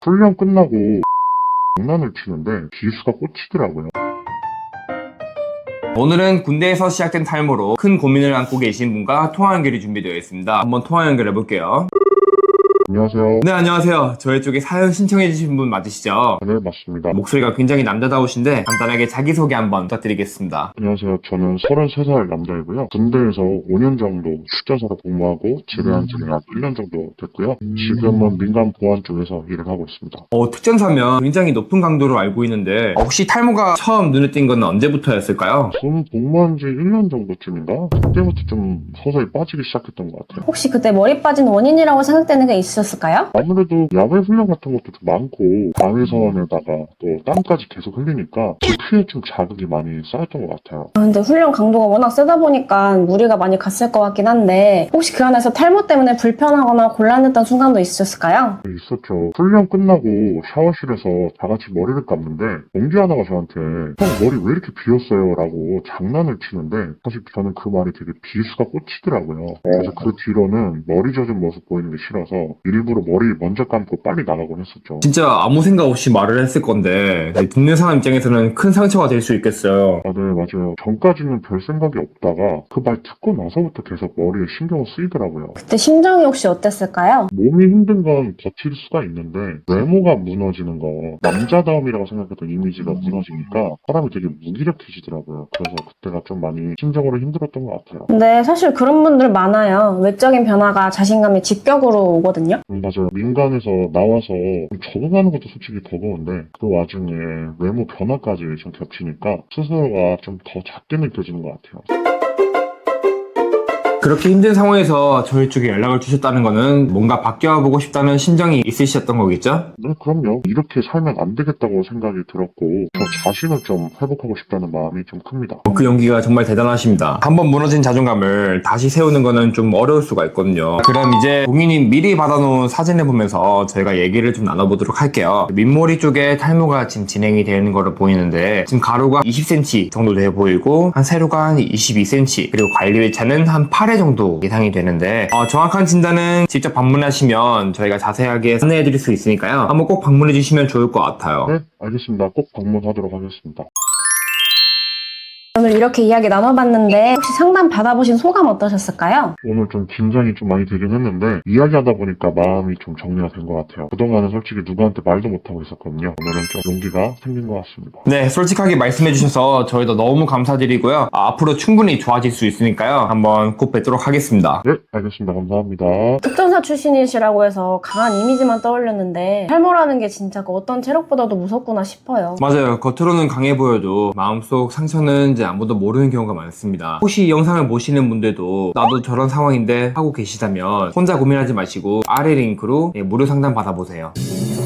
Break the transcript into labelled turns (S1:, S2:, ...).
S1: 훈련 끝나고 장난을 치는데 비수가 꽂히더라고요.
S2: 오늘은 군대에서 시작된 탈모로 큰 고민을 안고 계신 분과 통화 연결이 준비되어 있습니다. 한번 통화 연결해 볼게요.
S1: 안녕하세요.
S2: 네, 안녕하세요. 저희 쪽에 사연 신청해 주신 분 맞으시죠?
S1: 네, 맞습니다.
S2: 목소리가 굉장히 남자다우신데 간단하게 자기소개 한번 부탁드리겠습니다.
S1: 안녕하세요. 저는 33살 남자이고요. 군대에서 5년 정도 출전사로 복무하고 제대한 지는 약 1년 정도 됐고요. 지금은 민간 보안 쪽에서 일을 하고 있습니다.
S2: 특전사면 굉장히 높은 강도로 알고 있는데 혹시 탈모가 처음 눈에 띈 건 언제부터였을까요?
S1: 저는 복무한 지 1년 정도쯤인가? 그때부터 좀 서서히 빠지기 시작했던 것 같아요.
S3: 혹시 그때 머리 빠진 원인이라고 생각되는 게 있으셨을까요?
S1: 아무래도 야외 훈련 같은 것도 좀 많고 방위선에다가 또 땀까지 계속 흘리니까 피에 좀 자극이 많이 쌓였던 것 같아요.
S3: 근데 훈련 강도가 워낙 세다 보니까 무리가 많이 갔을 것 같긴 한데 혹시 그 안에서 탈모 때문에 불편하거나 곤란했던 순간도 있으셨을까요?
S1: 있었죠. 훈련 끝나고 샤워실에서 다 같이 머리를 감는데 동기 하나가 저한테 형 머리 왜 이렇게 비었어요? 라고 장난을 치는데 사실 저는 그 말이 되게 비수가 꽂히더라고요. 그래서 그 뒤로는 머리 젖은 모습 보이는 게 싫어서 일부러 머리 먼저 감고 빨리 나가곤 했었죠.
S2: 진짜 아무 생각 없이 말을 했을 건데 듣는 사람 입장에서는 큰 상처가 될 수 있겠어요.
S1: 아, 네, 맞아요. 전까지는 별 생각이 없다가 그 말 듣고 나서부터 계속 머리에 신경을 쓰이더라고요.
S3: 그때 심정이 혹시 어땠을까요?
S1: 몸이 힘든 건 버틸 수가 있는데 외모가 무너지는 거, 남자다움이라고 생각했던 이미지가 무너지니까 사람이 되게 무기력해지더라고요. 그래서 그때가 좀 많이 심적으로 힘들었던 것 같아요.
S3: 근데 사실 그런 분들 많아요. 외적인 변화가 자신감의 직격으로 오거든요.
S1: 맞아요. 민간에서 나와서 적응하는 것도 솔직히 버거운데 그 와중에 외모 변화까지 좀 겹치니까 스스로가 좀 더 작게 느껴지는 것 같아요.
S2: 그렇게 힘든 상황에서 저희 쪽에 연락을 주셨다는 거는 뭔가 바뀌어보고 싶다는 심정이 있으셨던 거겠죠?
S1: 네, 그럼요. 이렇게 살면 안 되겠다고 생각이 들었고 저 자신을 좀 회복하고 싶다는 마음이 좀 큽니다.
S2: 그 용기가 정말 대단하십니다. 한번 무너진 자존감을 다시 세우는 거는 좀 어려울 수가 있거든요. 그럼 이제 공인님 미리 받아놓은 사진을 보면서 저희가 얘기를 좀 나눠보도록 할게요. 밑머리 쪽에 탈모가 지금 진행이 되는 거로 보이는데 지금 가로가 20cm 정도 돼 보이고 한 세로가 한 22cm 그리고 관리회차는 한 8회 정도 예상이 되는데 정확한 진단은 직접 방문하시면 저희가 자세하게 안내해드릴 수 있으니까요. 한번 꼭 방문해주시면 좋을 것 같아요.
S1: 네, 알겠습니다. 꼭 방문하도록 하겠습니다.
S3: 오늘 이렇게 이야기 나눠봤는데 혹시 상담 받아보신 소감 어떠셨을까요?
S1: 오늘 좀 긴장이 좀 많이 되긴 했는데 이야기하다 보니까 마음이 좀 정리가 된 것 같아요. 그동안은 솔직히 누구한테 말도 못하고 있었거든요. 오늘은 좀 용기가 생긴 것 같습니다.
S2: 네, 솔직하게 말씀해주셔서 저희도 너무 감사드리고요. 앞으로 충분히 좋아질 수 있으니까요. 한번 꼭 뵙도록 하겠습니다.
S1: 네, 알겠습니다. 감사합니다.
S3: 특전사 출신이시라고 해서 강한 이미지만 떠올렸는데 탈모라는 게 진짜 그 어떤 체력보다도 무섭구나 싶어요.
S2: 맞아요. 겉으로는 강해 보여도 마음속 상처는 이제 아무도 모르는 경우가 많습니다. 혹시 이 영상을 보시는 분들도 나도 저런 상황인데 하고 계시다면 혼자 고민하지 마시고 아래 링크로 무료 상담 받아보세요.